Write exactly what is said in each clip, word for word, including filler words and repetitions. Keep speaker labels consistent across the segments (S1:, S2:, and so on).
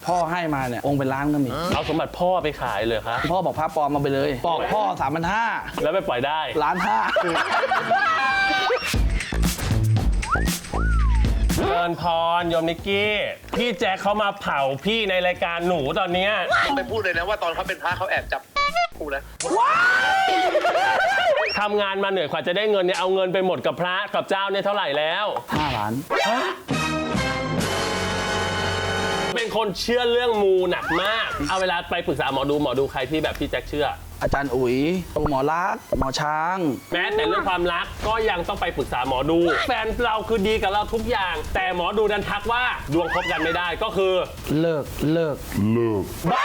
S1: พ่อให้มาเนี่ยองค์เป็นล้านก็มี
S2: เอาสมบัติพ่อไปขายเลยครับ
S1: พ่อบอกพระปลอมมาไปเลยบอกพ่อสามพันห้า
S2: แล้วไปปล่อยได้
S1: ล้านห้า
S2: เชิญพรโยมนิกกี้พี่แจ็คเขามาเผาพี่ในรายการหนูตอนเนี้ย
S3: ไปพูดเลยนะว่าตอนเขาเป็นพระเขาแอบจับกูนะ
S2: ทำงานมาเหนื่อยกว่าจะได้เงินเนี่ยเอาเงินไปหมดกับพระกับเจ้าเนี่ยเท่าไหร่แล้ว
S1: ห้าล้าน
S2: เป็นคนเชื่อเรื่องมูหนักมากเอาเวลาไปปรึกษาหมอดูหมอดูใครที่แบบพี่แจ็คเชื่อ
S1: อาจารย์อุ๋ยหมอรักษณ์หมอช้าง
S2: แม้แต่เรื่องความรักก็ยังต้องไปปรึกษาหมอดู แฟนเราคือดีกับเราทุกอย่าง แต่หมอดูดันทักว่าดวงคบกันไม่ได้ก็คือ
S1: เลิกเลิก
S2: บ้า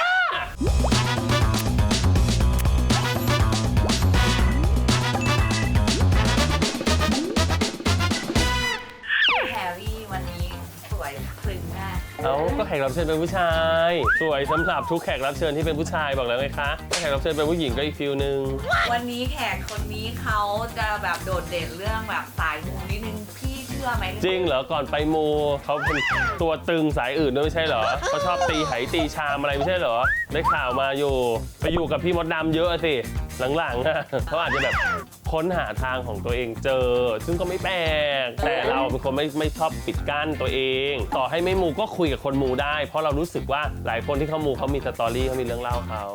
S4: แฮร์รี่วันนี้สวยคลึงมาก
S2: เอ้าก็แขกรับเชิญเป็นผู้ชาย สวยสำหรับทุกแขกรับเชิญที่เป็นผู้ชายบอกแล้วไงคะถ้าแขกรับเชิญเป็นผู้หญิงก็อีกฟิลนึง
S4: วันนี้แขกคนนี้เขาจะแบบโดดเด่นเรื่องแบบสายมูนิดนึงพี่เชื่อไหม
S2: จริงเหรอก่อนไปมูเขาเป็นตัวตึงสายอื่นด้วยไม่ใช่เหรอเขาชอบตีไหตีชามอะไรไม่ใช่เหรอได้ข่าวมาอยู่ไปอยู่กับพี่มดดำเยอะสิหลังๆอะเขาอาจจะแบบค้นหาทางของตัวเองเจอ ซึ่งก็ไม่แปลกแต่เราเป็นคนไม่ไม่ชอบปิดกั้นตัวเอง ต่อให้ไม่มูก็คุยกับคนมูได้ เพราะเรารู้สึกว่าหลายคนที่เขามูเขามีสตอรี่เขามีเรื่องเล่าเขา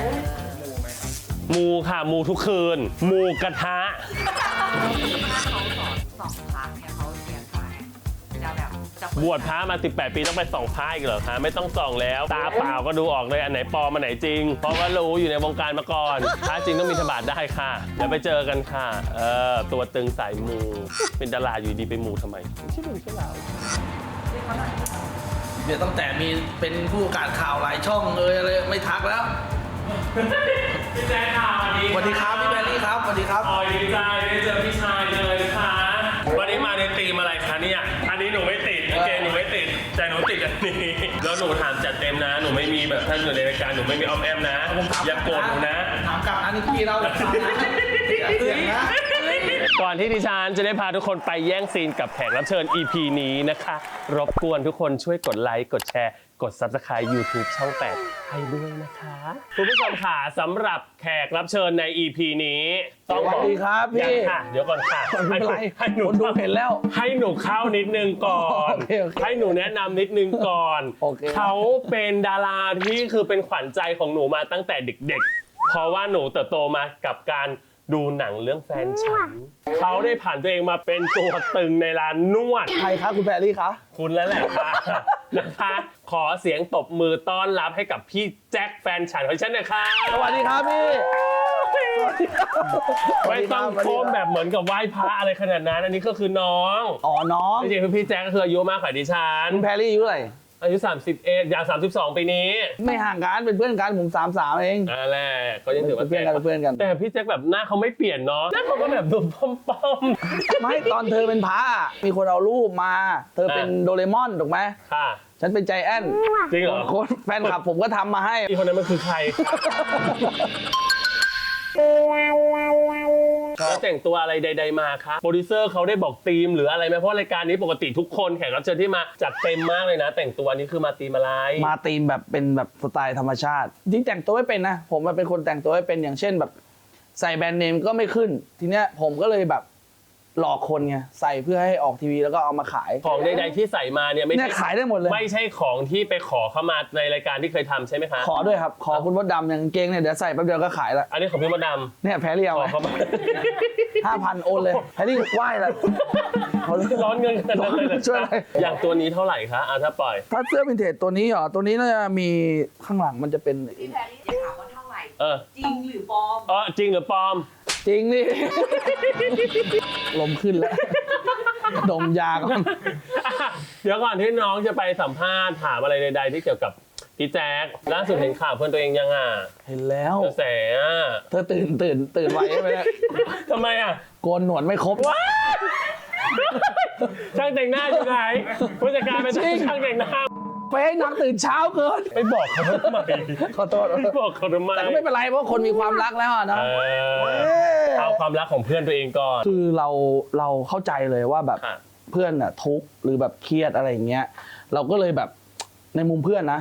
S2: มูค่ะมูทุกคืน มูกระทะ
S4: ถ้าเขาสอนสองครั้งเนี่ยเขาเสียใจจะแบบจะเปิด
S2: บวชพระมาสิบแปดปีต้องไปส่องพระอีกเหรอคะไม่ต้องส่องแล้ว ตาเปล่าก็ดูออกเลยอันไหนปลอมอันไหนจริง เพราะว่ารู้อยู่ในวงการมาก่อนพระจริงต้องมีธบาตได้ค่ะเดี๋ยวไปเจอกันค่ะเออตัวตึงสายมูเป็นดาราอยู่ดีไปมูทำไมไม่ใช่เรื่องใช่ราว
S1: เดี๋ยวตั้งแต่มีเป็นผู้ประกาศข่าวหลายช่องเอยอะไรไม่ทักแล้ว
S2: พี่แจ๊คค่ะ
S1: สวัสดีครับพี่แบรี่ครับสวัสดีครับ
S2: อ๋อดีใจได้เจอพี่ชายเลยนะคะวันนี้มาในธีมอะไรคะเนี่ยอันนี้หนูไม่ติดโอเคหนูไม่ติดแต่หนูติดอันนี้แล้วหนูถามจัดเต็มนะหนูไม่มีแบบท่านอยู่ในรายการหนูไม่มีอ้อมแอมนะอย่าโกรธหนูนะ
S1: ถามกลับอันนี้พี่เราแบบเสียงนะ
S2: ก่อนที่ดิฉันจะได้พาทุกคนไปแย่งซีนกับแขกรับเชิญ อี พี นี้นะคะ รบกวนทุกคนช่วยกดไลค์ กดแชร์ กด ซับสไครบ์ ยูทูบ ช่อง แปด ให้ด้วยนะคะคุณผู้ชมค่ะสำหรับแขกรับเชิญใน อี พี นี้ต้องบอก
S1: สวัสดีครับพี่
S2: ยังค่ะ เดี๋ยวก่อนค่ะ
S1: ไม่เป็นไร
S2: ให้หนู
S1: คนดูเห็นแล้ว
S2: ให้หนูเข้านิดนึงก่อน
S1: โอเคโอเค
S2: ให้หนูแนะนำนิดนึงก่อน
S1: โอเค
S2: เขาเป็นดาราที่คือเป็นขวัญใจของหนูมาตั้งแต่เด็กๆ เพราะว่าหนูเติบโตมากับการดูหนังเรื่องแฟนฉันเขาได้ผ่านตัวเองมาเป็นตัวตึงในร้านนวด
S1: ใครคะคุณแบรี่คะ
S2: คุณแล้วแหละค่ะ นะคะขอเสียงตบมือต้อนรับให้กับพี่แจ็คแฟนฉันของฉันหนะคะ
S1: สวัสดีครับพี่
S2: ไม่ต้องโค้มแบบเหมือนกับไหว้พระอะไรขนาดนั้นอันนี้ก็คือน้อง
S1: อ๋อน้อง
S2: จริงๆคือพี่แจ็คก็คืออายุมากกว่าดิฉัน
S1: คุณแพรรี่อายุเท่าไหร่
S2: อายุสามสิบเอ็ดอย่างสามสิบสองปีนี้
S1: ไม่ห่างกันเป็นเพื่อนกันผมสามสามเอง
S2: นั่นแหละก็ยังถือว่า
S1: เป็นเพื่อนกันเป็นเพื่อนกัน
S2: แต่พี่แจ็คแบบหน้าเขาไม่เปลี่ยนเนาะหน้าเขาก็แบบดูป้อมๆ
S1: ไม่ตอนเธอเป็นพระอะมีคนเอารูปมา เธอเป็นโดเรมอนถูกไหม
S2: ค่ะ
S1: ฉันเป็นใจแอน
S2: จริงเหรอ
S1: คนแฟนคลับผมก็ทำมาให้
S2: อีคนนั้นมันคือใครแล้วแต่งตัวอะไรใดๆมาคะโปรดิวเซอร์เขาได้บอกธีมหรืออะไรไหมเพราะรายการนี้ปกติทุกคนแขกรับเชิญที่มาจัดเต็มมากเลยนะ แต่งตัวนี้คือมาธีมอะไร
S1: มาตีมแบบเป็นแบบสไตล์ธรรมชาติจริงแต่งตัวไม่เป็นนะ ผมมันเป็นคนแต่งตัวไม่เป็นอย่างเช่นแบบ ใส่แบรนด์เนมก็ไม่ขึ้น ทีเนี้ยผมก็เลยแบบหลอกคนไงใส่เพื่อให้ออกทีวีแล้วก็เอามาขาย
S2: ของใดๆที่ใส่มาเนี่ยไม่
S1: เนี่ย
S2: ใช่
S1: ขายได้หมดเลย
S2: ไม่ใช่ของที่ไปขอเข้ามาในรายการที่เคยทำใช่ไหมคะ
S1: ขอด้วยครับ ขอคุณมดดำอย่างกางเกงเนี่ยเดี๋ยวใส่แป๊บเดียวก็ขายละ
S2: อันนี้ของพี่มดด
S1: เนี่ยแพรรี่
S2: ำ
S1: เอา
S2: ขอเข้ามา
S1: ห้าพันโอนเลยแพรรี่ไหว้ละเขา
S2: ร้อนเงินขนาดนั้นเลยเหรอ
S1: ช่วยอะไร
S2: อย่างตัวนี้เท่าไหร่คะอ่ะถ้าปล่อย
S1: ถ้าเสื้อวินเทจตัวนี้เหรอตัวนี้น่าจะมีข้างหลังมันจะเป็น
S4: พี่แพรรี่จะถามว่าเท่าไหร่
S2: เออ
S4: จริงหรือปลอม
S2: อ๋อจริงหรือปลอม
S1: จริงนี่ ลมขึ้นแล้ว ดมยาก่อน
S2: เดี๋ยวก่อนที่น้องจะไปสัมภาษณ์ถามอะไรใดๆที่เกี่ยวกับพี่แจ๊คล่าสุดเห็นข่าวเพื่อนตัวเองยังอ่ะ
S1: เห็นแล้ว
S2: กระแสอ่ะ
S1: เธอตื่นตื่นตื่นไวใช่ไหมเนี่ย
S2: ทำไมอ่ะ
S1: โกนหนวดไม่ครบ
S2: ช่างแต่งหน้าอยู่ไหนผู้จัดการเป็น
S1: จริง
S2: ช่างแต่งหน้า
S1: ไปให้นางตื่นเช้าเกิน
S2: ไปบอกเขาทำไม
S1: ขอโทษ
S2: ไปบอกเขาทำไม
S1: แต่ก็ไม่เป็นไรเพราะคนมีความรักแล้วอะนะ
S2: เออเอาความรักของเพื่อนตัวเองก่อน
S1: คือเราเราเข้าใจเลยว่าแบบ
S2: ค่ะ
S1: เพื่อนอะทุกข์หรือแบบเครียดอะไรอย่างเงี้ยเราก็เลยแบบในมุมเพื่อนนะ
S2: ค่ะ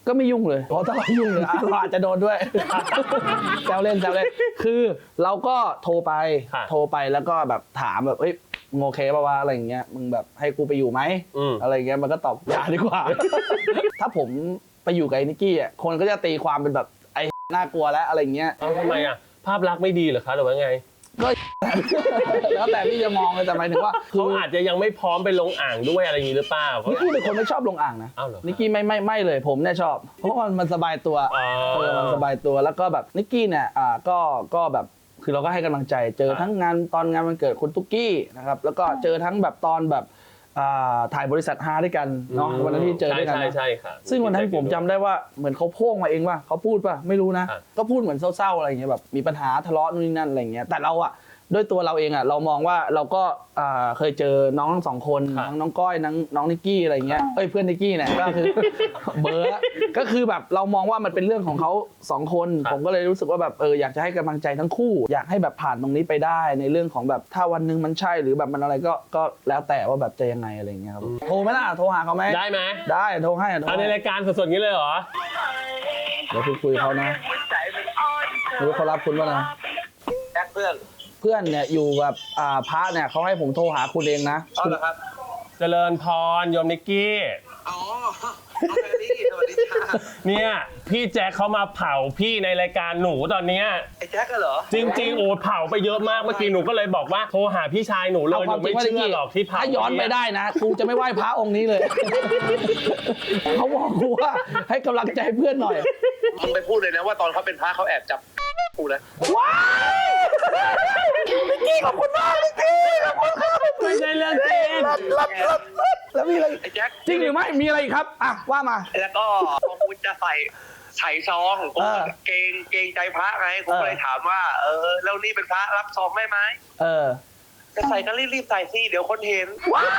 S1: ก็ไม่ยุ่งเลยเพราะถ้าเรายุ่งเลยอ่ะเราอาจจะโดนด้วย แซวเล่นแซวเล่นคือเราก็โทรไป
S2: ค่ะ
S1: โทรไปแล้วก็แบบถามแบบเอ้ยมึงโอเคป่าวะอะไรอย่างเงี้ยมึงแบบให้กูไปอยู่ไหม
S2: อืม
S1: อะไรอย่างเงี้ยมันก็ตอบอย่าดีกว่า ถ้าผมไปอยู่กับไอ้นิกกี้อ่ะคนก็จะตีความเป็นแบบไอ้น่ากลัวแล้วอะไรอย่างเงี้ย
S2: เอ้าทำไมอ่ะภาพลักษณ์ไม่ดีเหรอคะหรือว่าไง
S1: ก็ แล้วแต่พี่จะมองเลยแต่หมายถึงว่าคื
S2: เขา
S1: อ
S2: อาจจะยังไม่พร้อมไปลงอ่างด้วยอะไรอย่างนี้หรือเปล่าเขา
S1: นิกกี้เป็นคนไม่ชอบลงอ่างนะ
S2: อ้าวเหรอ
S1: นิกกี้ไม่ไม่ไม่เลยผมเนี่ยชอบ เพราะว่ามันสบายตัว
S2: อ๋อ
S1: เออมันสบายตัวแล้วก็แบบนิกกี้เนี่ยอ่าก็ก็แบบคือเราก็ให้กำลังใจเจอทั้งงานตอนงานวันเกิดคุณตุ๊กกี้นะครับแล้วก็เจอทั้งแบบตอนแบบอ่าถ่ายบริษัทฮาด้วยกันเนาะวันนั้นที่เจอด้วยกัน
S2: ใช่
S1: นะ
S2: ใช่ใช่ค่ะ
S1: ซึ่งวันนั้นผมจำได้ว่าเหมือนเขาโพ่งมาเองว่าเขาพูดป่ะไม่รู้นะ
S2: ครับ
S1: ก็พูดเหมือนเศร้าๆอะไรอย่างเงี้ยแบบมีปัญหาทะเลาะนู่นนี่นั่นอะไรอย่างเงี้ยแต่เราอะด้วยตัวเราเองอะเรามองว่าเราก็อ่าเคยเจอน้องทั้งสองคนทั้งน้องก้อยน้องน้องนิกกี้อะไรอย่างเงี้ยเอ้ยเพื่อนนิกกี้เนี่ยก็คือ เบอร์ละก็คือแบบเรามองว่ามันเป็นเรื่องของเขาสองคนผมก็เลยรู้สึกว่าแบบเอออยากจะให้กำลังใจทั้งคู่ อยากให้แบบผ่านตรงนี้ไปได้ในเรื่องของแบบถ้าวันหนึงมันใช่หรือแบบมันอะไรก็ก็แล้วแต่ว่าแบบจะยังไงอะไรอย่างเงี้ยครับโทรไหมล่ะโทรหาเขาไหม
S2: ได้ไหม
S1: ได้โทรให้โทร
S2: เอาใน
S1: ให้
S2: รายการสดๆงี้เลยเหรอ
S1: เดี๋ยวคุยคุยเขานะไม่รู้เขารับคุณป่ะนะ
S3: แจ็คเพื่อน
S1: เพื่อนเนี่ยอยู่แบบอ่าพระเนี่ยเขาให้ผมโทรหาคุณเองนะ
S3: เอาเหรอครับ
S2: เจริญพรโยมนิกกี้
S3: อ๋อเอาแฟรี่สวัสดีจ้า
S2: เนี่ยพี่แจ็คเขามาเผาพี่ในรายการหนูตอนเนี้ย
S3: ไอ้แจ็คก็เหรอ
S2: จริงๆโอ้เผาไปเยอะมากเมื่อกี้หนูก็เลยบอกว่าโทรหาพี่ชายหนูเลย
S1: เอา
S2: ห
S1: ความ
S2: นู
S1: จริ
S2: ไม่
S1: งว่า
S2: เชื่อหรอกที่เผา
S1: ถ้าย้อนไปได้นะกูจะไม่ไหว้พระองค์นี้เลย เขาบอกกูว่าให้กำลังใจเพื่อนหน่อย
S3: มึงไปพูดเลยนะว่าตอนเขาเป็นพระเขาแอบจับกูนะ
S1: ว้ายนิกกี้ขอบคุณมากนิกกี้ขอบคุณครับ
S2: ไม่ใช่เรื่องจริง
S1: รับรับรับแล้วมีอะไร
S3: ไอ้แจ็ค
S1: จริงหรือไม่มีอะไรอีกครับอ่ะว่ามา
S3: แล้วก็พอกูจะใส่ใส่ซองกู
S1: เออ
S3: เกรงเกรงใจพระไงกู
S1: เออ
S3: ก็เลยถามว่า เออแล้วนี่เป็นพระรับซองได้ไหม
S1: เออ
S3: จะใส่ก็รีบๆใส่สิเดี๋ยวคนเห็น
S1: ว้าย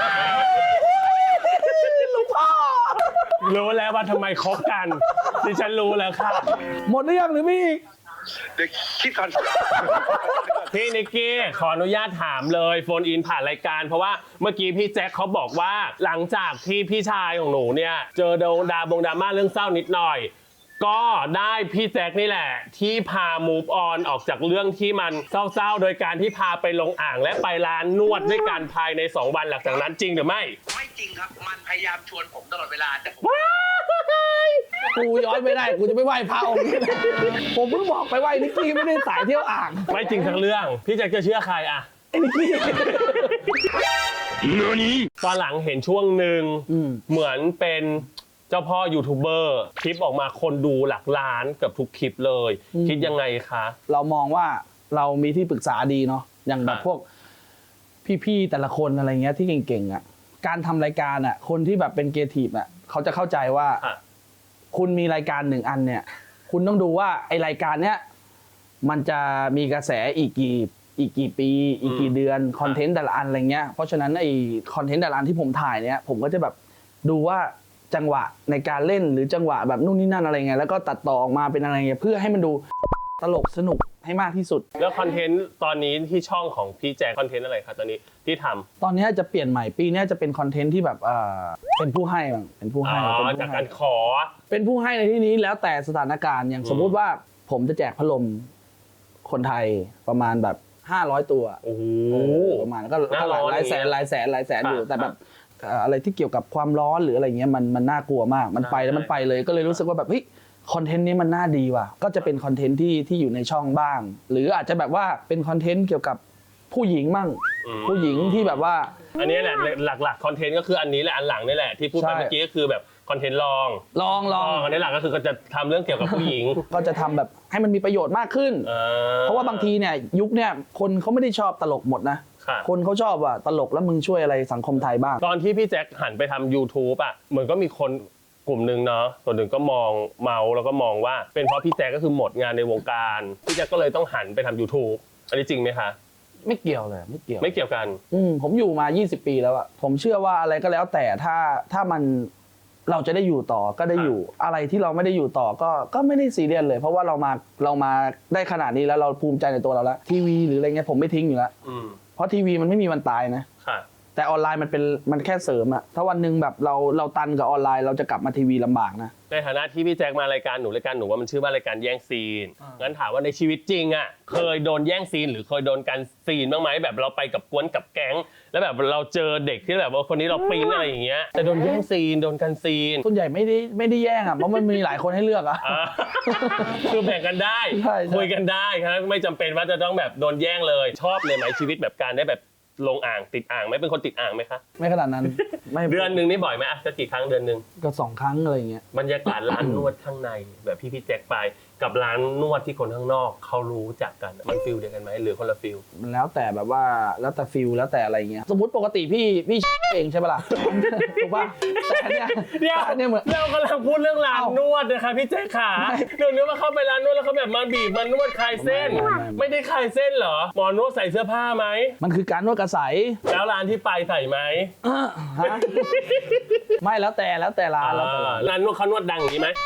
S1: หลูกพ่อ
S2: รู้แล้วว่าทำไมคบกันดิฉันรู้แล้วค่ะ
S1: หมดหรือยังหรือมีอีก
S3: เดี๋ยวคิดก่อน
S2: พี่นิกกี้ขออนุญาตถามเลยโฟนอินผ่านรายการ เพราะว่าเมื่อกี้พี่แจ็คเขาบอกว่าหลังจากที่พี่ชายของหนูเนี่ยเจอโดนดาบงดราม่าเรื่องเศร้านิดหน่อย ก็ได้พี่แจ็คนี่แหละ ที่พา move on ออกจากเรื่องที่มันเศร้าๆโดยการที่พาไปลงอ่างและไปร้านนวดด้วยกันภายในสองวันหลังจากนั้นจริงหรือไม่
S3: ไม่จริงครับ มันพยายามชวนผมตลอดเวลาแต่ผม
S1: กูย้อนไม่ได้กูจะไม่ไหว้พระองค์นี้ผมเพิ่งบอกไปไหว้นิกกี้ไม่ได้สายเที่ยวอ่าง
S2: ไม่จริงทั้งเรื่อง พี่แจ็คจะเชื่อใครอะ
S1: ไอ้นิกกี้
S2: ตอนหลังเห็นช่วงหนึ่ง
S1: อืม
S2: เหมือนเป็นเจ้าพ่อยูทูบเบอร์คลิปออกมาคนดูหลักล้านเกือบทุกคลิปเลย คิดยังไงคะ
S1: เรามองว่าเรามีที่ปรึกษาดีเนาะอย่างแบบ
S2: อ่ะ
S1: พวกพี่ๆแต่ละคนอะไรเงี้ยที่เก่งๆอ่ะการทำรายการอ่ะคนที่แบบเป็นเกทีฟอ่ะเขาจะเข้าใจว่า
S2: ค่ะ
S1: คุณมีรายการหนึ่งอันเนี่ย คุณต้องดูว่าไอรายการเนี้ยมันจะมีกระแสอีกกี่อีกกี่ปี อีกกี่เดือนคอนเทนต์แต่ละอันอะไรเงี้ยเพราะฉะนั้นไอคอนเทนต์แต่ละอันที่ผมถ่ายเนี่ยผมก็จะแบบดูว่าจังหวะในการเล่นหรือจังหวะแบบนู่นนี่นั่นอะไรเงี้ยแล้วก็ตัดต่อออกมาเป็นอะไรเงี้ยเพื่อให้มันดูตลกสนุกให้มากที่สุด
S2: แล้วคอนเทนต์ตอนนี้ที่ช่องของพี่แจ็คคอนเทนต์อะไรคะตอนนี้ที่ทำ
S1: ตอนนี้จะเปลี่ยนใหม่ปีนี้จะเป็นคอนเทนต์ที่แบบเอ่อเป็นผู้ให้บ้างเป็นผู้
S2: อ๋
S1: ให้เป็น
S2: อ
S1: ผู้
S2: จาก
S1: ให้
S2: การขอ
S1: เป็นผู้ให้ในที่นี้แล้วแต่สถานการณ์อย่าง
S2: อืม
S1: สมมุติว่าผมจะแจกพัดลมคนไทยประมาณแบบห้าร้อยตัว
S2: โอ้โห
S1: เออประมาณก็
S2: หน้า
S1: ก็ห
S2: ร้
S1: ลาย
S2: อน
S1: หลายแสน
S2: อย่างเงี้ย
S1: หลายแสนหลายแสนอยู่
S2: ครับ
S1: แต่แบบเอ่ออะไรที่เกี่ยวกับความร้อนหรืออะไรเงี้ยมันมันน่ากลัวมากมันไป
S2: ใช่
S1: แล้วมันไปเลยก็เลยรู้สึกว่าแบบเฮ้ยคอนเทนต์นี้มันน่าดีว่ะก็จะเป็นคอนเทนต์ที่ที่อยู่ในช่องบ้าง หรืออาจจะแบบว่าเป็นคอนเทนต์เกี่ยวกับผู้หญิงมั่ง
S2: อืม
S1: ผู้หญิงที่แบบว่า
S2: อันนี้แหละหลักๆคอนเทนต์ก็คืออันนี้แหละอันหลังนี่แหละที่พูดไป
S1: ใช่
S2: เมื่อกี้ก็คือแบบคอนเทนต์ลอง
S1: ลองลอง
S2: อันนี้หลักก็คือก็จะทำเรื่องเกี่ยวกับผู้หญิง
S1: ก็จะทำแบบให้มันมีประโยชน์มากขึ้น
S2: อ่
S1: เพราะว่าบางทีเนี่ยยุคเนี่ยคนเขาไม่ได้ชอบตลกหมดนะ
S2: ค่ะ
S1: คนเขาชอบว่าตลกแล้วมึงช่วยอะไรสังคมไทยบ้าง
S2: ตอนที่พี่แจ็คหันไปทำ YouTube อ่ะเหมือนก็มีคนกลุ่มหนึ่งเนาะส่วนหนึ่งก็มองเมาแล้วก็มองว่าเป็นเพราะพี่แจ็คก็คือหมดงานในวงการพี่แจ็คก็เลยต้องหันไปทำ YouTube อันนี้จริงไหมคะ
S1: ไม่เกี่ยวเลยไม่เกี่ยว
S2: ไม่เกี่ยวกัน
S1: อืมผมอยู่มา ยี่สิบ ปีแล้วอะผมเชื่อว่าอะไรก็แล้วแต่ถ้าถ้ามันเราจะได้อยู่ต่อก็ได้อยู่ อะไรที่เราไม่ได้อยู่ต่อก็ก็ไม่ได้ซีเรียสเลย เพราะว่าเรามาเรามาได้ขนาดนี้แล้วเราภูมิใจในตัวเราแล้วทีวีหรืออะไรเงี้ยผมไม่ทิ้งอยู่แล้ว
S2: อืม
S1: เพราะทีวีมันไม่มีวันตายนะ
S2: ค่ะ
S1: แต่ออนไลน์มันเป็นมันแค่เสริมอะถ้าวันหนึ่งแบบเราเราตันกับออนไลน์เราจะกลับมาทีวีลำบากนะ
S2: ในฐานะที่พี่แจ็คมารายการหนูรายการหนูว่ามันชื่อว่ารายการแย่งซีนงั้นถามว่าในชีวิตจริงอ่ะเคยโดนแย่งซีนหรือเคยโดนการซีนบ้างไหมแบบเราไปกับกวนกับแก๊งแล้วแบบเราเจอเด็กที่แบบว่าคนนี้เราปิ๊งอะไรอย่างเงี้ยแต่โดนแย่งซีนโดนกันซีน
S1: ส่วนใหญ่ไม่ได้ไม่ได้แย่งอะเพราะมันมีหลายคนให้เลือกอะ
S2: อ่าคือแบ่งกันได้
S1: ใช่ใช่
S2: คุยกันได้ครับไม่จำเป็นว่าจะต้องแบบโดนแย่งเลยชอบเลยไหมชีวิตแบบการได้แบบลงอ่างติดอ่างไหมเป็นคนติดอ่างไหมคะ
S1: ไม่ขนาดนั้นไม่
S2: เดือนหนึ่งนี่บ่อยไหมอ่ะจะกี่ครั้งเดือนหนึ่ง
S1: ก็สองครั้งอะไรอย่างเงี้ย
S2: บรรยากาศร้านนวดข้างในแบบพี่พี่แจ็คไปกับร้านนวดที่คนข้างนอกเขารู้จักกันมันฟิลเดียวกันไหมหรือคนละฟิล
S1: มันแล้วแต่แบบว่าแล้วแต่ฟิลแล้วแต่อะไรเงี้ยสมมติปกติพี่พี่ เองใช่ปะล่ะ ถูกป่ะแต่อันเนี้ย
S2: เดี๋ยว
S1: แต่อันเนี้ยเหมือน
S2: เรากำลังพูดเรื่องร้าน
S1: เอ้าน
S2: วดนะคะพี่แจ๊คขา
S1: ไม่
S2: เดี๋ยวนี้มาเข้าไปร้านนวดแล้วเขาแบบมาบีบมานวดคลายเส้น
S1: ไม่ไม่ไม่
S2: ไม่ได้คลายเส้นเหรอหมอนวดใส่เสื้อผ้าไหม
S1: มันคือการนวดกระใส
S2: แล้วร้านที่ไปใส่ไหม
S1: ฮะไม่แล้วแต่แล้วแต่ร้านแล้วแต่ร้าน
S2: ร้านนวดเขานวดดังอย่างนี้ไหม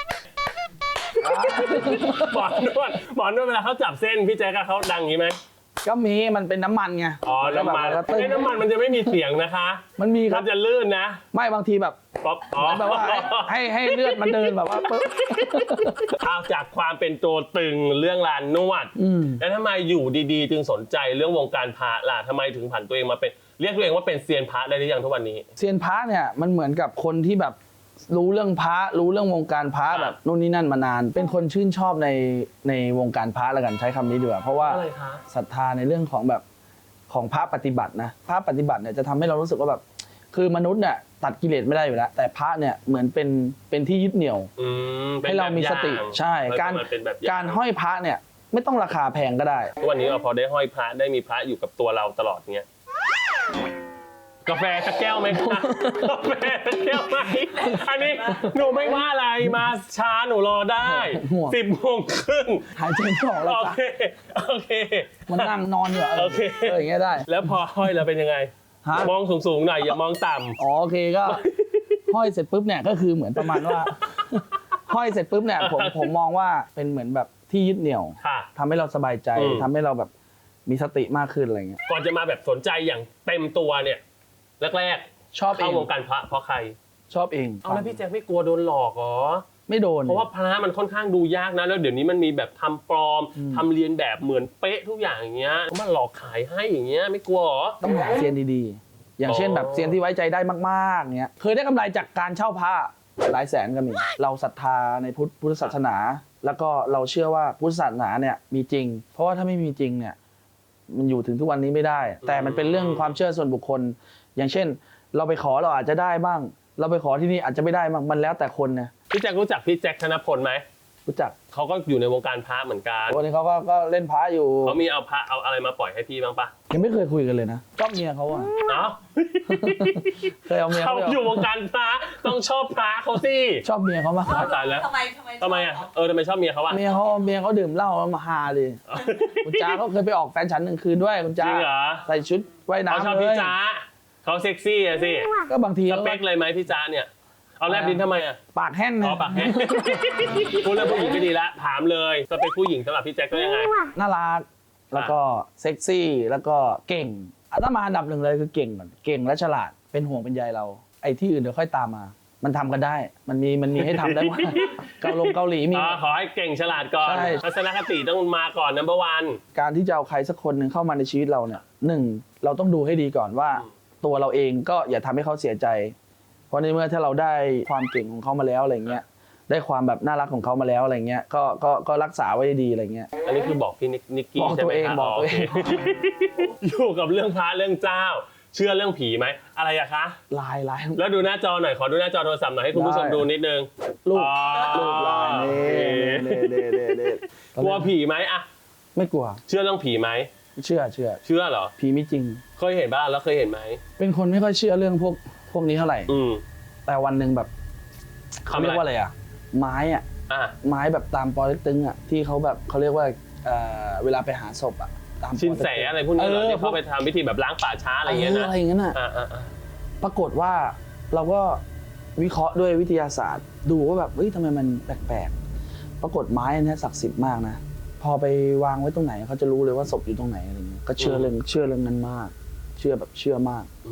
S2: หมอนวดหมอนวดเวลาเขาจับเส้นพี่แจ๊คเขาดังอย่างนี้ไหม
S1: ก็มีมันเป็นน้ำมันไง
S2: อ๋อน้ำมัน
S1: แล้วก็ตึ้ง
S2: ไอ้น้ำมันมันจะไม่มีเสียงนะคะ
S1: มันมีค
S2: มั
S1: รับ
S2: นจะลื่นนะ
S1: ไม่บางทีแบบ
S2: ป๊อปอ๋อ
S1: แบบว่าให้ให้ให้เลือดมันเดินแบบว่าปึ๊บ
S2: เอาจากความเป็นตัวตึงเรื่องร้านนวด
S1: อืม
S2: แล้วทำไมอยู่ดีๆ จึงสนใจเรื่องวงการพระล่ะทำไมถึงผันตัวเองมาเป็นเรียกตัวเองว่าเป็นเซียนพระได้หรือยังทุกวันนี้
S1: เซียนพระเนี่ยมันเหมือนกับคนที่แบบรู้เรื่องพระรู้เรื่องวงการพระ
S2: อ่า
S1: แบบนู่นนี่นั่นมานาน เป็นคนชื่นชอบในในวงการพระแล้วกันใช้คำนี้ดีกว่าเพราะว่า
S2: อะไรคะ
S1: ศรัทธาในเรื่องของแบบของพระปฏิบัตินะพระปฏิบัติเนี่ยจะทำให้เรารู้สึกว่าแบบคือมนุษย์เนี่ยตัดกิเลสไม่ได้อยู่แล้วแต่พระเนี่ยเหมือนเป็นเป็นที่ยึดเหนี่ยว
S2: อืมป็น
S1: ให้เรามีสติ
S2: แบบอย่ง
S1: ใช่ การ
S2: มันเป็นแบบอย่ง
S1: การห้อยพระเนี่ยไม่ต้องราคาแพงก็ได้
S2: ทุกวันนี้เราพอได้ห้อยพระได้มีพระอยู่กับตัวเราตลอดเงี้ยกาแฟสักแก้วไหมคะกาแฟสักแก้วไหมอันนี้หนูไม่ว่าอะไรมาช้าหนูรอได้
S1: ห่วง
S2: สิบโมงครึ่ง
S1: หายใจไม่ออกแล้ว
S2: โอ
S1: จ้ะ
S2: เคโอเค
S1: มันนั่งนอนอยู่อะเออ
S2: โอเค
S1: เอออย่างเงี้ยได้
S2: แล้วพอห้อยแล้วเป็นยังไง
S1: ฮะ
S2: มองสูงๆหน่อยอย่ามองต่ำ
S1: อ๋อโอเคก็ ห้อยเสร็จปุ๊บเนี่ยก็คือเหมือนประมาณว่า ห้อยเสร็จปุ๊บเนี่ยผมผมมองว่าเป็นเหมือนแบบที่ยึดเหนี่ยว
S2: ค่ะ
S1: ทำให้เราสบายใจ
S2: อืม
S1: ทำให้เราแบบมีสติมากขึ้นอะไรเงี้ย
S2: ก่อนจะมาแบบสนใจอย่างเต็มตัวเนี่ยแรก
S1: ชอบ
S2: ๆ
S1: เอ
S2: เข้าง วงการพระเพราะใคร
S1: ชอบเอง
S2: เอาแล้วพี่แจ๊คไม่กลัวโดนหลอกเหรอ
S1: ไม่โดน
S2: เพราะว่าพระมันค่อนข้างดูยากนะแล้วเดี๋ยวนี้มันมีแบบทำปลอม
S1: อืม
S2: ทำเรียนแบบเหมือนเป๊ะทุกอย่างอย่างเงี้ยมาหลอกขายให้อย่างเงี้ยไม่กลัวเหรอ
S1: ต้องหาเซียนดีๆ อย่างเช่น
S2: อ๋อ
S1: แบบเซียนที่ไว้ใจได้มากๆเงี้ยเคยได้กำไรจากการเช่าพระหลายแสนก็มี เราศรัทธาในพุทธพุทธศาสนา แล้วก็เราเชื่อว่าพุทธศาสนาเนี่ยมีจริง เพราะว่าถ้าไม่มีจริงเนี่ยมันอยู่ถึงทุกวันนี้ไม่ได้ แต่มันเป็นเรื่องความเชื่อส่วนบุคคล อย่างเช่น เราไปขอเราอาจจะได้บ้าง เราไปขอที่นี่อาจจะไม่ได้บ้างมันแล้วแต่คนนะ
S2: พี่แจ็ครู้จักพี่แจ็คธนพลไหม
S1: รู้จัก
S2: เขาก็อยู่ในวงการพระเหมือนกัน
S1: วันนี้เขาก็ก็เล่นพระอยู่
S2: เขามีเอาพระเอาอะไรมาปล่อยให้พี่บ้างปะ
S1: ยังไม่เคยคุยกันเลยนะชอบเมียเขาอะ
S2: เอ้า
S1: เคยเอาเมีย
S2: เขา
S1: เขาไป
S2: อยู่
S1: เอา
S2: วงการพระต้องชอบพระเขาสิ
S1: ชอบเมียเขามากกว่า
S2: ตายแล้ว
S4: ทำไมทำไม
S2: ทำไมอ่ะเออทำไมชอบเมียเขาอ่ะ
S1: เมียเขาเมียเขาดื่มเหล้าแล้วมาฮาเลย คุณจ้าเขาเคยไปออกแฟนฉันหนึ่งคืนด้วยคุณ
S2: จ
S1: จ้า
S2: ริงเหรอ
S1: ใส่ชุดว่าย
S2: เขา
S1: น้ำ
S2: ชอบ
S1: เล
S2: พี่
S1: ย
S2: จ้าเขาเซ็กซี่อะสิ
S1: ก็บางที
S2: ส
S1: เขา
S2: เปคเลยไหมพี่จ้าเนี่ยเอาแลบดินทำไมอ่ะ
S1: ปากแห้ง
S2: อ๋อ
S1: นะ
S2: ปากแห้งพูดเรื่องผู้หญิงไม่ดีละถามเลยสเปคผู้หญิงสำหรับพี่แจ็คก็ยังไง
S1: น่ารักแล้วก็เซ็กซี่แล้วก็เก่งอันนั้นมาอันดับหนึ่งเลยคือเก่งก่อนเก่งและฉลาดเป็นห่วงเป็นใยเรา ไอ้ที่อื่นเดี๋ยวค่อยตามมา มันทำกันได้ มันมีมันมีให้ทำได้หมด เกาลงเกาหลีมี
S2: อ๋อขอให้เก่งฉลาดก่อน
S1: ใช่
S2: ทัศนคติต้องมาก่อนนัมเบอร์วัน
S1: การที่จะเอาใครสักคนหนึ่งเข้ามาในชีวิตเราเนี่ยหนึ่งเราต้องดูให้ดีก่อนว่า ตัวเราเองก็อย่าทำให้เขาเสียใจ เพราะในเมื่อถ้าเราได้ความเก่งของเขามาแล้วอะไรเงี้ยได้ความแบบน่ารักของเขามาแล้วอะไรเงี้ยก็ก็ก็รักษาไว้ดีอะไรเงี้ย
S2: อันนี้คือบอกพี่นิกนิกกี้
S1: บอก
S2: ใช่
S1: ตัว
S2: ไหม
S1: เอง
S2: ครับ
S1: บอกตัวเอง
S2: โคอยู่กับเรื่องพระเรื่องเจ้า เชื่อเรื่องผีไหมอะไรอะคะ
S1: ลายลาย
S2: แล้วดูหน้าจอหน่อยขอดูหน้าจอโทรศัพท์หน่อยให้คุณผู้ชม
S1: ได้
S2: ดูนิดนึง
S1: รูป
S2: อ๋อ
S1: รูปลายนี่นี่นี่นี่นี่
S2: กลัวผีไหมอะ
S1: ไม่กลัว
S2: เชื่อเรื่องผีไหม
S1: เชื่อเชื่อ
S2: เชื่อเหรอ
S1: ผีมีจริง
S2: เคยเห็นบ้างแล้วเคยเห็นไหม
S1: เป็นคนไม่ค่อยเชื่อเรื่องพวกพวกนี้เท่าไหร่
S2: อืม
S1: แต่วันหนึ่งแบบเขา
S2: ทำอะไร
S1: เรียกว่าอะไรอ่ะไม้อ่ะ
S2: อ่ะ
S1: ไม้แบบตามปอเต็กตึงอ่ะที่เขาแบบเขาเรียกว่าเอ่อเวลาไปหาศพอ่ะตามปอเต็กตึง
S2: ชินแสอะไรพวกนี้เหรอ
S1: เออ
S2: ที่เขาไปทำพิธีแบบล้างป่าช้าอะไรอย่างเงี้ย
S1: เออ
S2: นะ
S1: อะไรอย่างเงี้ยน่ะ
S2: อ่าอ่าอ่า
S1: ปรากฏว่าเราก็วิเคราะห์ด้วยวิทยาศาสตร์ ดูว่าแบบเฮ้ยทำไมมันแปลกๆปรากฏไม้อันเนี้ยศักดิ์สิทธิ์มากนะพอไปวางไว้ตรงไหนเขาจะรู้เลยว่าศพอยู่ตรงไหนอะไรเงี้ยก็เชื่อเรื่องเชื่อเรื่องนั้นมาก เชื่อแบบเชื่อมาก
S2: อืม
S1: ไม่ได้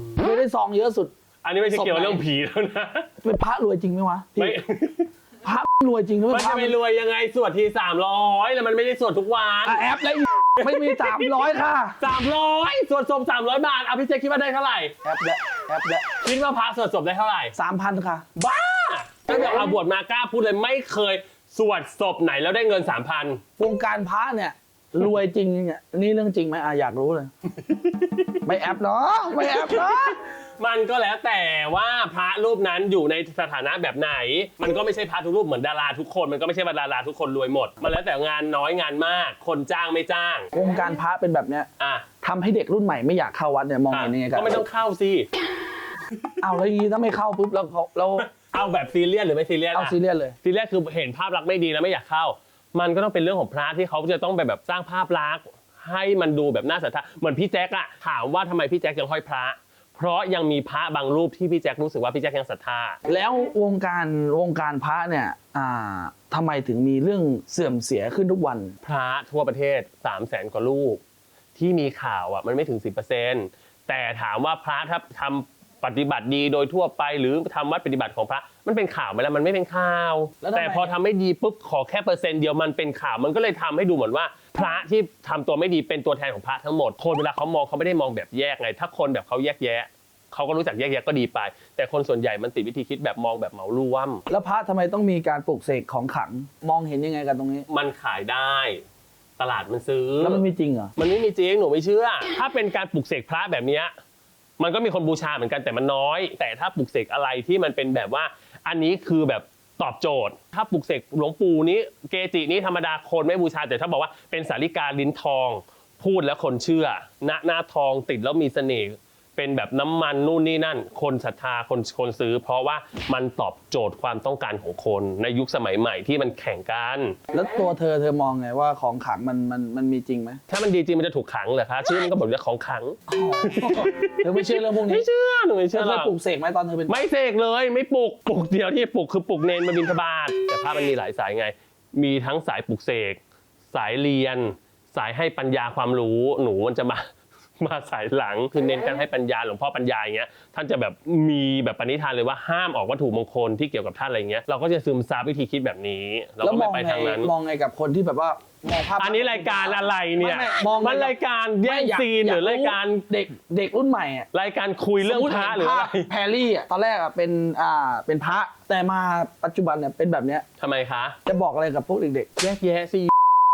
S1: ซองเยอะสุด
S2: อันนี้ไม่ใช่เกี่ยวกับเรื่องผีแล้วนะ
S1: เป็นพระรวยจริงไหมวะ
S2: ไม่
S1: พระรวยจริงหรือ
S2: มัน
S1: พ
S2: จะ
S1: ระ
S2: ไปรวยยังไงสวดทีสามร้อยแล้วมันไม่ได้สวดทุกวัน
S1: อ่ะแอปแล้วอีไม่มีสามร้อยค่ะ
S2: สามร้อยสวดศพสามร้อยบาทเอาพี่เจคิดว่าได้เท่าไหร่
S1: แอปแล้วแอปแล้ว
S2: คิดว่าพระสวดศพได้เท่าไหร่
S1: สามพันค่ะ
S2: บ้าตั้งแต่เอาบวชมากล้าพูดเลยไม่เคยสวดศพไหนแล้วได้เงินสามพัน
S1: วงการพระเนี่ยรวยจริงเนี่ยนี่เรื่องจริงไหมอ่ะอยากรู้เลย ไม่แอปเนาะไม่แอปเนาะ
S2: มันก็แล้วแต่ว่าพระรูปนั้นอยู่ในสถานะแบบไหน มันก็ไม่ใช่พระทุกรูปเหมือนดาราทุกคนมันก็ไม่ใช่ว่าดาราทุกคนรวยหมดมันแล้วแต่งานน้อยงานมาก คนจ้างไม่จ้าง
S1: วงการพระเป็นแบบเนี้ย
S2: อ่ะ
S1: ทำให้เด็กรุ่นใหม่ไม่อยากเข้าวัดเนี่ยมอง
S2: อ่ะ
S1: เห็นยังไงกัน
S2: ก็ไม่ต้องเข้าสิ
S1: เอาแล้วอย่างนี้ถ้าไม่เข้าปุ๊บแล้วเขาเรา
S2: เอาแบบซีเรียสหรือไม่ซีเรียส
S1: เอา
S2: ล่ะ
S1: ซีเรียสเลย
S2: ซีเรียสคือเห็นภาพลักษณ์ไม่ดีแล้วไม่อยากเข้า มันก็ต้องเป็นเรื่องของพระที่เขาจะต้องไปแบบสร้างภาพลักษณ์ให้มันดูแบบน่าศรัทธาเหมือนพี่แจ๊คอะถามว่าทำไมพี่แจ๊คยังห้อยพระ เพราะยังมีพระบางรูปที่พี่แจ๊ครู้สึกว่าพี่แจ๊คยังศรัทธา
S1: แล้ววงการวงการพระเนี่ยอ่าทำไมถึงมีเรื่องเสื่อมเสียขึ้นทุกวัน
S2: พระทั่วประเทศ สามแสน กว่ารูปที่มีข่าวอ่ะมันไม่ถึง สิบเปอร์เซ็นต์ แต่ถามว่าพระถ้าทำปฏิบัติดีโดยทั่วไปหรือทำวัดปฏิบัติของพระมันเป็นข่าวไหมล่ะมันไม่เป็นข่าว
S1: แล้วทำไม
S2: แต่พอทำไม่ดีปุ๊บขอแค่เปอร์เซ็นต์เดียวมันเป็นข่าวมันก็เลยทำให้ดูเหมือนว่า พระที่ทำตัวไม่ดีเป็นตัวแทนของพระทั้งหมดคนเวลาเขามองเขาไม่ได้มองแบบแยกไงถ้าคนแบบเขาแยกแยะเขาก็รู้จักแยกแยะก็ดีไป แต่คนส่วนใหญ่มันติดวิธีคิดแบบมองแบบเหมารวม
S1: แล้วพระทำไมต้องมีการปลูกเสกของขลังมองเห็นยังไงกันตรงนี้
S2: มันขายได้ ตลาดมันซื้อ
S1: แล้วมันมีจริงเหรอ
S2: มันไม่มีจริงหนูไม่เชื่อ ถ้าเป็นการปลุกเสกพระแบบเนี้ยมันก็มีคนบูชาเหมือนกันแต่มันน้อย แต่ถ้าปลุกเสกอะไรที่มันเป็นแบบว่า อันนี้คือแบบตอบโจทย์ ถ้าปลุกเสกหลวงปู่นี้เกจินี้ธรรมดาคนไม่บูชาแต่ถ้าบอกว่าเป็นสาริกาลิ้นทอง พูดแล้วคนเชื่อหน้าหน้าทองติดแล้วมีเสน่ห์เป็นแบบน้ำมันนู่นนี่นั่น คนศรัทธาคนคนซื้อ เพราะว่ามันตอบโจทย์ความต้องการของคนในยุคสมัยใหม่ที่มันแข่งกัน
S1: แล้วตัวเธอเธอมองไงว่าของขลังมันมันมันมีจริงไหม
S2: ถ้ามันดีจริงมันจะถูกขังเหรอคะชื่อมันก็บอกว่าของขัง
S1: เธอไม่เชื่อเรื่องพวกนี้
S2: ไม่เชื่อหนูไม่
S1: เธ
S2: เชื่
S1: อ
S2: อ
S1: เค
S2: หร
S1: ย
S2: อก
S1: ปลูกเสกไหมตอนเธอเป็น
S2: ไม่เสกเลยไม่ปลุกปลุกเดียวที่ปลุกคือปลุกเนนมาบิณฑบาตแต่พระมันมีหลายสายไง มีทั้งสายปลุกเสกสายเรียน สายให้ปัญญาความรู้หนูมันจะมา มาสายหลังคือเน้นการให้ปัญญาหลวงพ่อปัญญาอย่างเงี้ยท่านจะแบบมีแบบปณิธานเลยว่าห้ามออกวัตถุมงคลที่เกี่ยวกับท่านอะไรเงี้ยเราก็จะซึมซับวิธีคิดแบบนี้เรา
S1: แล้ว
S2: ก็
S1: ม
S2: ไม่
S1: อง
S2: ไป
S1: ไง
S2: ทางนั้น
S1: มองไงกับคนที่แบบว่ามองภาพ
S2: อันนี้รายการอะไรเนี่ย
S1: ไม่ไม่มองไง
S2: มันรายการแย่ง
S1: ไม่ย
S2: ซีนหรือรายการ
S1: เด็กเด็กรุ่นใหม่อะ
S2: รายการคุยเรื่องพระหรืออะไร
S1: สมมุติเห็นภาพแพรรี่อะตอนแรกอะเป็นอ่าเป็นพระแต่มาปัจจุบันเนี่ยเป็นแบบเนี้ย
S2: ทำไมคะ
S1: จะบอกอะไรกับพวกเด็ก
S2: แยกแยะสิ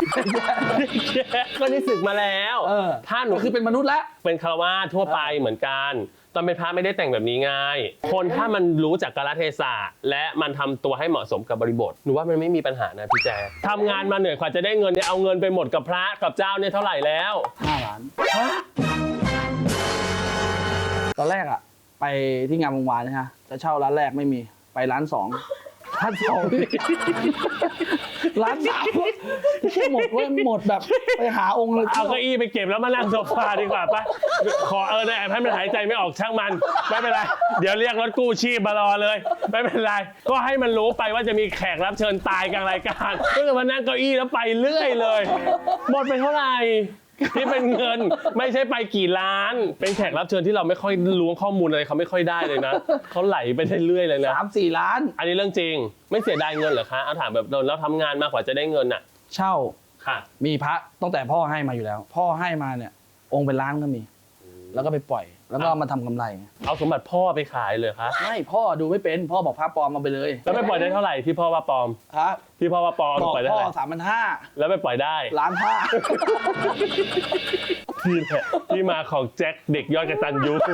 S2: ก็ได้ศึกมาแล้ว
S1: ๆเออ
S2: ถ้าหนู
S1: ก็คือเป็นมนุษย์แล้ว
S2: เป็นคารวาสทั่วไปเหมือนกัน ตอนเป็นพระไม่ได้แต่งแบบนี้ง่าย คนถ้ามันรู้จักกาลเทศะและมันทำตัวให้เหมาะสมกับบริบทหนูว่ามันไม่มีปัญหานะพี่แจ๊คทำงานมาเหนื่อยกว่าจะได้เงินเนี่ยเอาเงินไปหมดกับพระกับเจ้าเนี่ยเท่าไหร่แล้ว
S1: ห้าล้านตอนแรกอะไปที่งานวงวานนะฮะจะเช่าร้านแรกไม่มีไปร้านสองร้านสอง ร้านสามแค่หมดเว้ยหมดแบบไปหาองค์เลย
S2: เอาเก้าอี้ไปเก็บแล้วมานั่งโซฟาดีกว่าปะขอเออได้ให้มันหายใจไม่ออกช่างมันไม่เป็นไรเดี๋ยวเรียกรถกู้ชีพมารอเลยไม่เป็นไรก็ให้มันรู้ไปว่าจะมีแขกรับเชิญตายกลางรายการก็จะมานั่งเก้าอี้แล้วไปเรื่อยเลยหมดไปเท่าไหร่ที่เป็นเงินไม่ใช่ไปกี่ล้าน เป็นแขกรับเชิญที่เราไม่ค่อยรู้ข้อมูลอะไรเขาไม่ค่อยได้เลยนะเขาไหลไปเรื่อยๆเลยนะ
S1: สามสี่ล้าน
S2: อันนี้เรื่องจริงไม่เสียดายเงินเหรอคะเอาถามแบบเราทำงานมากกว่าจะได้เงินอ่ะ
S1: เช่า
S2: ค่ะ
S1: มีพระตั้งแต่พ่อให้มาอยู่แล้ว พ่อให้มาเนี่ย องค์เป็นล้านก็มี แล้วก็ไปปล่อย แล้วก็มาทำกำไรไง
S2: เอาสมบัติพ่อไปขายเลยคะ
S1: ไม่พ่อดูไม่เป็นพ่อบอกพระปลอมมาไปเลย
S2: แล้วไปปล่อยได้เท่าไหร่ที่พ่อว่าปลอม
S1: ครับ
S2: ที่พ่อว่าปลอม
S1: บอก
S2: ปล่อยได้
S1: พ่อ
S2: เท่าไหร่
S1: สามพันห้า
S2: แล้วไปปล่อยได้
S1: ล้านห้า
S2: ที่แหละที่มาของแจ็คเด็กยอดกตัญญู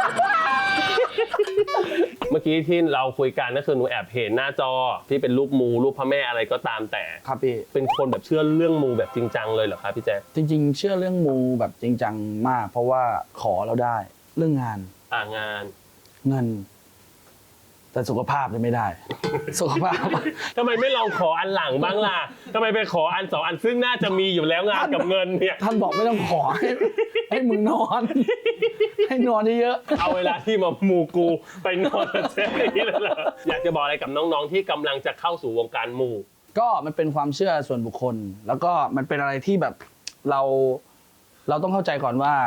S2: เมื่อกี้ที่เราคุยกันก็คือหนูแอบเห็นหน้าจอที่เป็นรูปมูรูปพระแม่อะไรก็ตามแต่
S1: ครับพี่
S2: เป็นคนแบบเชื่อเรื่องมูแบบจริงจังเลยเหรอคะพี่แจ๊ค
S1: จริง ๆ เชื่อเรื่องมูแบบจริงจังมาก เพราะว่าขอเราได้ เรื่องงาน
S2: อ่างาน
S1: เงิน แต่สุขภาพเนี่ยไม่ได้ สุขภาพ
S2: ทำไมไม่ลองขออันหลังบ้างล่ะทำไมไปขออันสองอันซึ่งน่าจะมีอยู่แล้วงานกับเงินเนี่ย
S1: ท่านบอกไม่ต้องขอให้ให้มึงนอน ให้นอนเยอะ
S2: เอาเวลาที่มามูกูไปนอนกับเจ๊นี่เลยเหรออยากจะบอกอะไรกับน้องๆที่กำลังจะเข้าสู่วงการมู
S1: ๆก็มันเป็นความเชื่อส่วนบุคคล แล้วก็มันเป็นอะไรที่แบบเรา เราต้องเข้าใจก่อนว่า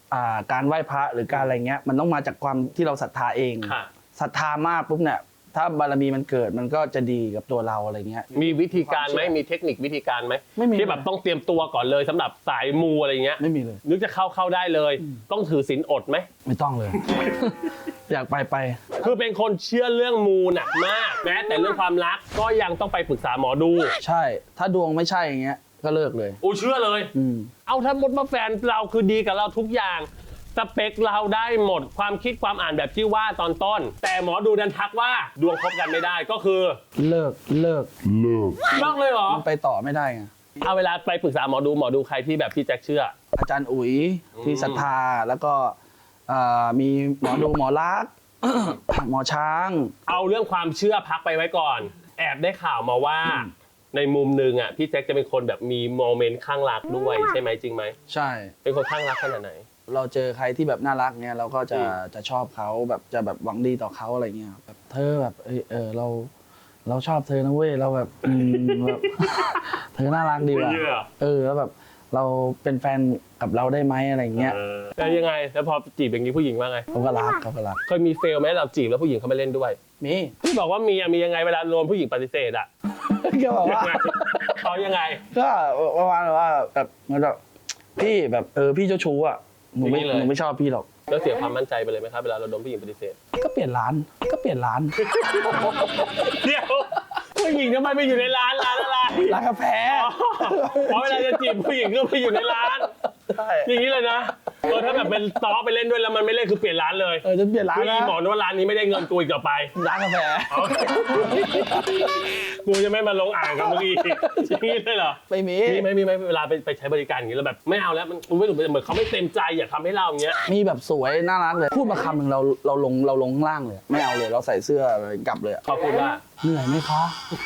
S1: อ่าการไหว้พระหรือการอะไรเงี้ยมันต้องมาจากความที่เราศรัทธาเอง
S2: ค่ะ
S1: ศรัทธามากปุ๊บเนี่ยถ้าบารมีมันเกิดมันก็จะดีกับตัวเราอะไรเงี้ย
S2: มีวิธีการไหมมีเทคนิควิธีการไหม
S1: ไม่มี
S2: ที่แบบต้องเตรียมตัวก่อนเลยสำหรับสายมูอะไรเงี้ย
S1: ไม่มีเลย
S2: นึกจะเข้าเข้าได้เลย ต้องถือศีลอดไหม
S1: ไม่ต้องเลย อยากไปไป
S2: คือเป็นคนเชื่อเรื่องมูหนักมากแม้แต่เรื่องความรักก็ยังต้องไปปรึกษาหมอดู
S1: ใช่ ถ้าดวงไม่ใช่อย่างเงี้ยก็เลิกเลย
S2: อูเชื่อเลย
S1: อืม
S2: เอาถ้าหมดว่าแฟนเราคือดีกับเราทุกอย่างสเปคเราได้หมดความคิดความอ่านแบบที่ว่าตอนต้น แต่หมอดูดันทักว่าดวงคบกันไม่ได้ก็คือ
S1: เลิกเลิก
S2: เลิกเลยเหรอ
S1: มันไปต่อไม่ได้ไง
S2: เอาเวลาไปปรึกษาหมอดูหมอดูใครที่แบบพี่แจ็คเชื่อ
S1: อาจารย์อุ๋ยที่ศรัทธาแล้วก็เอ่อมีหมอดูหมอลักษณ์ หมอช้าง
S2: เอาเรื่องความเชื่อพักไปไว้ก่อน แอบได้ข่าวมาว่า ในมุมหนึ่งอ่ะพี่แจ็คจะเป็นคนแบบมีโมเมนต์ข้างรักด้วยใช่ไหมจริงไหม
S1: ใช่
S2: เป็นคนข้างรักขนาดไหน
S1: เราเจอใครที่แบบน่ารักเนี่ยเราก็จะ
S2: อืม
S1: จะชอบเขาแบบจะแบบหวังดีต่อเขาอะไรเงี้ยแบบเธอแบบเออเออเรา เราชอบเธอนะเว้ยเราแบบอืมแบบ เธอน่ารักดีว่ะ
S2: เชื่อ
S1: เออแล้วแบบเราเป็นแฟนกับเราได้ไหมอะไรเงี้ย
S2: เออแล้วยังไงแล้วพอจีบอย่างนี้ผู้หญิงว่าไง
S1: เขาก็รักเขาก็รัก
S2: เคยมีเฟลไหมเราจีบแล้วผู้หญิงเขามาเล่นด้วย
S1: มี
S2: พี่บอกว่ามีอะมียังไงเวลาโดนผู้หญิงปฏิเสธอ่ะ
S1: ก็บอกว่า
S2: เขายังไง
S1: ก็ประมาณว่าแบบเหมือนแบบพี่แบบเออพี่เจ้าชู้อ่ะหนูไม่
S2: ไม่เลย
S1: หนูไม่ชอบพี่หรอก
S2: แล้วเสียความมั่นใจไปเลยไหมครับเวลาเราโดนผู้หญิงปฏิเสธ
S1: ก็เปลี่ยนร้านก็เปลี่ยนร้าน
S2: เดี๋ยวผู้หญิงทำไมไปอยู่ในร้านร้านอะไร
S1: ร้านกาแฟ
S2: เพราะเวลาจะจีบผู้หญิงก็ไปอยู่ในร้าน
S1: ใช่
S2: อย่างนี้เลยนะเออถ้าแบบเป็นซ้อไปเล่นด้วยแล้วมันไม่เล่นคือเปลี่ยนร้านเลย
S1: เออจะเปลี่ยนร้าน
S2: คือ
S1: นะ
S2: อีหมอนว่าร้านนี้ไม่ได้เงินกูอีกต่อไป
S1: ร้านกาแฟ
S2: กูจะไม่มาลงอ่างกับมึงอีกอย่างนี้เลยเหรอ
S1: ไม่มี
S2: มีไหมมีไหมเวลาไปไปใช้บริการอย่างนี้แล้วแบบไม่เอาแล้วมันมันไม่เหมือนเขาไม่เต็มใจอยากทำให้เราอย่างเงี้ย
S1: มีแบบสวยน่ารักเลย พูดมาคำหนึ่งเราเราลงเราลงข้างล่างเลย ไม่เอาเลยเราใส่เสื้อเลยกลับเลยอะ
S2: เขาพูดว่า
S1: เหนื่อยไหมคะ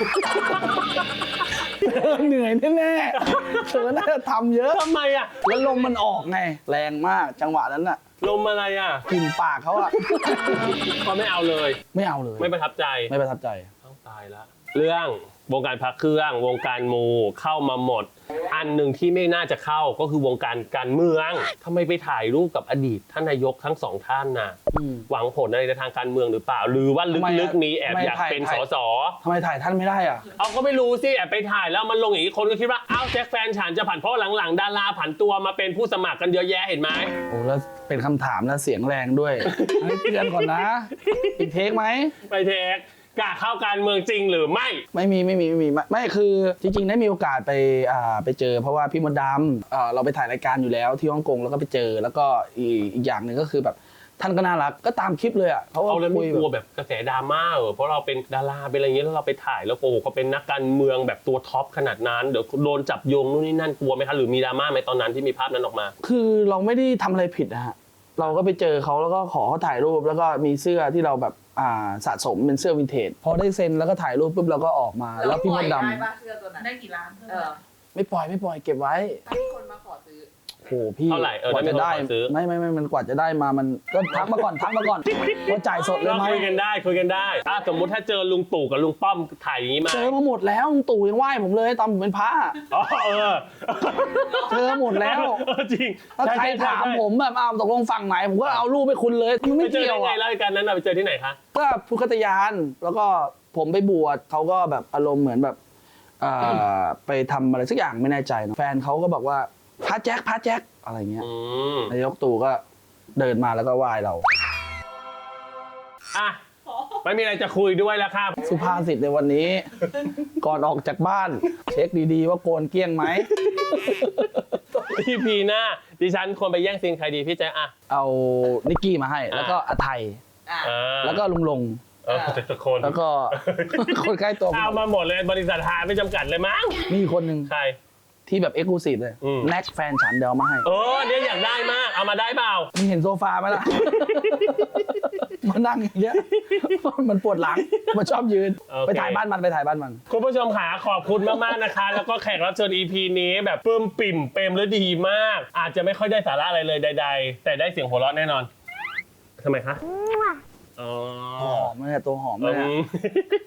S1: เหนื่อยแน่ๆเธอน่าจะทำเยอะ
S2: ทำไมอ่ะ
S1: แล้วลมมันออกไง แรงมากจังหวะนั้นน่ะ
S2: ลมอะไรอ่ะ
S1: กลิ่นปากเขาอะ
S2: เขาไม่เอาเลย
S1: ไม่เอาเลย
S2: ไม่ประทับใจ
S1: ไม่ประทับใจ
S2: ต้องตายละเรื่องวงการพักเครื่องวงการมูเข้ามาหมด อันหนึ่งที่ไม่น่าจะเข้าก็คือวงการการเมืองทำไมไปถ่ายรูปกับอดีตท่านนายกทั้งสองท่านน่ะ
S1: อืม
S2: หวังผลอะไรในทางการเมืองหรือเปล่า หรือว่า
S1: ทำไม
S2: ลึ
S1: อะ
S2: กๆมีแอบ
S1: ทำไม
S2: อยาก
S1: ถ่าย
S2: เป็น
S1: ถ่า
S2: ส
S1: ย
S2: ส
S1: ทำไมถ่ายท่านไม่ได้อ่ะ
S2: เอาก็ไม่รู้สิแอบไปถ่ายแล้วมันลงอย่างนี้คนก็คิดว่าอ้าวแจ็คแฟนฉันจะผันเพราะหลังๆดาราผันตัวมาเป็นผู้สมัครกันเยอะแยะเห็นไหม
S1: โอ้แล้วเป็นคำถามแล้วเสียงแรงด้วย ให้เตือนก่อนนะ อีกเทคไหม
S2: ไปเทคกล้าเข้าการเมืองจริงหรือไม่
S1: ไม่มีไม่มีไม่มีไม่ไม่คือจริงๆได้มีโอกาสไปอ่าไปเจอ เพราะว่าพี่มดดำอ่าเราไปถ่ายรายการอยู่แล้วที่ฮ่องกงแล้วก็ไปเจอ แล้วก็อีกอีกอย่างหนึ่งก็คือแบบท่านก็น่ารักก็ตามคลิปเลยอ่ะเขาก็
S2: เอาแล้ว
S1: คุ
S2: ไม่
S1: ย
S2: กลัว
S1: แบบ
S2: แบบกระแสดราม่าเหรอเพราะเราเป็นดาราเป็นอะไรอย่างเงี้ยแล้วเราไปถ่ายแล้วโอ้โหเขาเป็นนักการเมืองแบบตัวท็อปขนาดนั้นเดี๋ยวโดนจับโยงนู่นนี่นั่นกลัวไหมคะหรือมีดราม่าไหมตอนนั้นที่มีภาพนั้นออกมา
S1: คือเราไม่ได้ทำอะไรผิดนะฮะเราก็ไปเจอเขาแล้วก็ขอเขาถ่ายรูปแล้วก็มีเสื้อที่เราแบบอ่าสะสมเป็นเสื้อวินเทจพอได้เซ็นแล้วก็ถ่ายรูปปุ๊บเราก็ออกมา แล้วพี่มดด
S4: ได้ปะเสื้อตัวนั้น
S5: ได้กี่ล้านเท่า
S4: เอ
S5: ไหร่
S4: อ
S1: ำไม่ปล่อยไม่ปล่อยเก็บไว้
S4: ถ้ามีคนมาขอซื้อ
S1: โหพี่
S2: เท่าไหร่เออก
S1: ว่า
S2: ได้
S1: จะ
S2: ไม่
S1: ได้
S2: ขอซื้อ
S1: ไม่ไม่ไม่มันกว่าจะได้มามันก็ทักมาก่อนทักมาก่อนว่าจ่ายสดเลย
S2: เรา
S1: ไหม
S2: คุยกันได้คุยกันได้อ่ะสมมุติถ้าเจอลุงตู่กับลุงป้อมถ่ายอย่างนี้มา
S1: เจอมาหมดแล้วลุงตู่ยังไหว้ผมเลยตอนผมเป็นพระ
S2: อ๋อเออ
S1: เจอหมดแล้ว
S2: เออจริง
S1: ถ้าใครถามผมแบบอ้าวตกลงฝั่งไหนผมก็เอารูปไปคุณเลยมัน
S2: ไป
S1: ไม่
S2: เจอ
S1: เกี่ยว
S2: ได้ไง
S1: อ่ะ
S2: แล้วกันนั้นน่ะไปเจอที่ไหนคะ
S1: ก็พุทธคตยานแล้วก็ผมไปบวชเขาก็แบบอารมณ์เหมือนแบบอ่าไปทำอะไรสักอย่างไม่แน่ใจเนอะแฟนเขาก็บอกว่าพระแจ็คพระแจ็คอะไรเงี้ย
S2: อืม
S1: นายกตู่ก็เดินมาแล้วก็ไหว้เรา
S2: อ่ะไม่มีอะไรจะคุยด้วยแล้วครับ
S1: สุภาษิตในวันนี้ ก่อนออกจากบ้าน เช็คดีๆว่าโกนเกลี้ยงไหม
S2: พี่พีหน้าดิฉันควรไปแย่งซีนใครดีพี่แจ๊คอะ
S1: เอานิกกี้มาให้ แล้วก็อาไทย
S4: อ่ะ
S2: อ่า
S1: แล้วก็ลุงลง
S2: เออแต่ละคน
S1: แล้วก็ คนใกล้ตัวผม
S2: เอามาหมดเลยบริษัทหาไม่จำกัดเลยมั้ง
S1: มีอีกคนหนึ่ง
S2: ใคร
S1: ที่แบบเอ็กซ์คลูซีฟเลย
S2: อืม
S1: แน็กแฟนฉันเดี๋ยวเอามาให้
S2: เออเนี่ยอยากได้มากเอามาได้เปล่า
S1: มึงเห็นโซฟาไหมล่ะ มานั่งอย่างเงี้ย มันปวดหลัง มันชอบยืน
S2: โอเค
S1: ไปถ่ายบ้านมันไปถ่ายบ้านมัน
S2: คุณผู้ชมขาขอบคุณมากๆนะคะ แล้วก็แขกรับเชิญ อี พี นี้แบบปลื้มปิ่มเปรมและดีมาก อาจจะไม่ค่อยได้สาระอะไรเลยใด ๆ แต่ได้เสียงหัวเราะแน่นอนทำไมคะอ๋อ
S1: ตัวหอมเลยตัวหอม
S2: อื
S1: เลย
S2: ม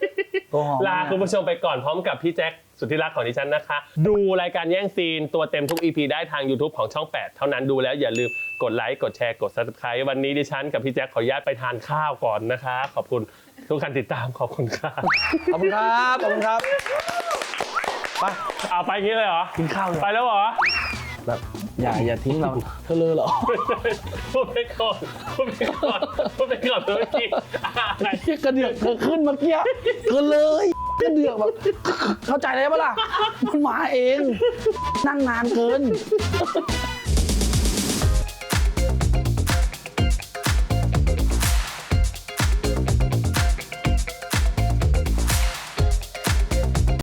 S1: ตัวหอม
S2: ลาคุณผู้ชมไปก่อนพร้อมกับพี่แจ็คสุดที่รักของดิฉันนะคะ ดูรายการแย่งซีนตัวเต็มทุก อี พี ได้ทาง YouTube ของช่อง แปด เท่านั้นดูแล้วอย่าลืมกดไลค์กดแชร์กด Subscribe วันนี้ดิฉันกับพี่แจ็คขออนุญาตไปทานข้าวก่อนนะคะ ขอบคุณทุกการติดตามขอบคุณค่ะ
S1: ขอบคุณครับขอบคุณครับไป
S2: เอาไปงี้เลยเหรอ
S1: กินข้าวเลย
S2: ไปแล้วเหรอ
S1: แบบอย่าอย่าทิ้งเราเธอเลยเหรอ
S2: พูดไปก่อนพูดไปก่อนพูดไปก่อนเมื่อกี้อะไร
S1: เหี้ยกระเดือกเธอขึ้นเมื่อกี้เธอเลยกระเดือกแบบเข้าใจเลยปะล่ะมันมาเอง นั่งนานเกิน